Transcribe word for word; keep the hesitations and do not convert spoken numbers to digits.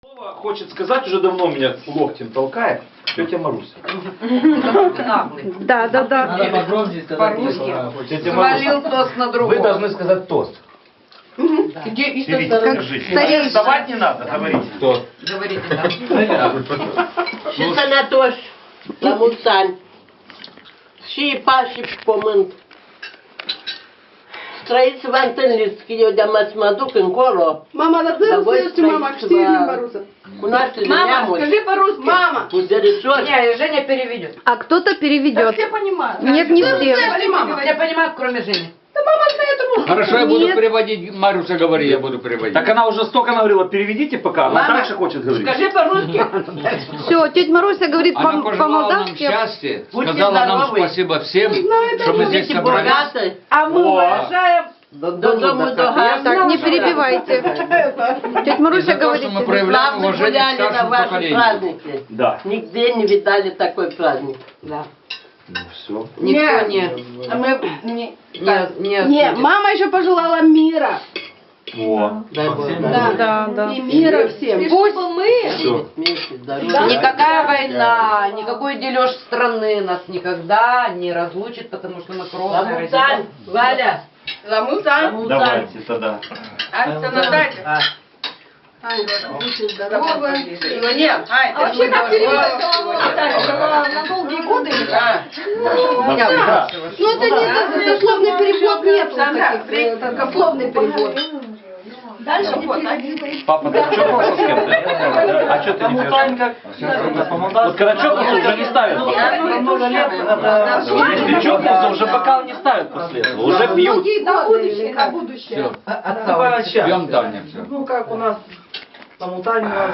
Слово хочет сказать, уже давно меня локтем толкает, тетя Маруся. Да, да, да. Надо погромче сказать. По-русски. Тетя Маруся, Свалил тост на другого. вы должны сказать тост. Где и что Берите, второй? скажите. Старейшина. Вставать не надо, говорите. Тост. Говорите, да. Și sănătoși, la mulți ani. Și pași și pământ. Trăiți să vă întâlniți, că eu de-am să mă duc încolo. Мама, да Dar voi слышите, мама, trăiți să четыре vă Маруса. cunoașteți Мама, neamuri, скажи по-русски. Мама, puderișori. Не, Женя переведет. А кто-то переведет. все понимают. Нет, не все. Мама. Все понимают, кроме Жени. Да мама знает русский. Хорошо, я буду Нет. переводить. Маруся, говори, я буду переводить. Так она уже столько говорила, переведите пока, она Мама, дальше хочет говорить. Скажи по-русски. Все, тетя Маруся говорит Она по- пожелала нам по-молдавски. счастья, Будьте сказала нам здоровы. спасибо всем, это что мы здесь Будете собрались. богаты, А мы О. уважаем. додому до газу. Так, не перебивайте. Тетя И Маруся за то, говорит. что мы проявляем Славно уважение к гуляли на старшему ваши поколению. праздники. Да. Нигде не видали такой праздник. Да. Ну все. Никто Нет. не... А мы не... Не, не, Не, мама еще пожелала мира. О. Дай Бог. Да, Да, да. И мира всем. Пусть мы. Все. Вместе, здоровья. Никакая война, никакой дележ страны нас никогда не разлучит, потому что мы кровные Ламутань, родители. Валя. Ламутан. Ламутань. Давайте тогда. Ася Наталья. А, Будьте здоровы. его нет. А вообще как переводится Ламутан? На долгие годы или как? Навсегда. Ну это не дословный перевод, нет таких, э, это дословный перевод. Дальше вот, Папа, ты чокнулся с кем-то? А что ты не пьешь? Вот когда чокнулся, уже не ставят после этого. Если чокнулся, уже бокал не ставят после этого. Уже пьют. на будущее, на будущее. Все, пьем Таня, все. Ну, как у нас там у Тани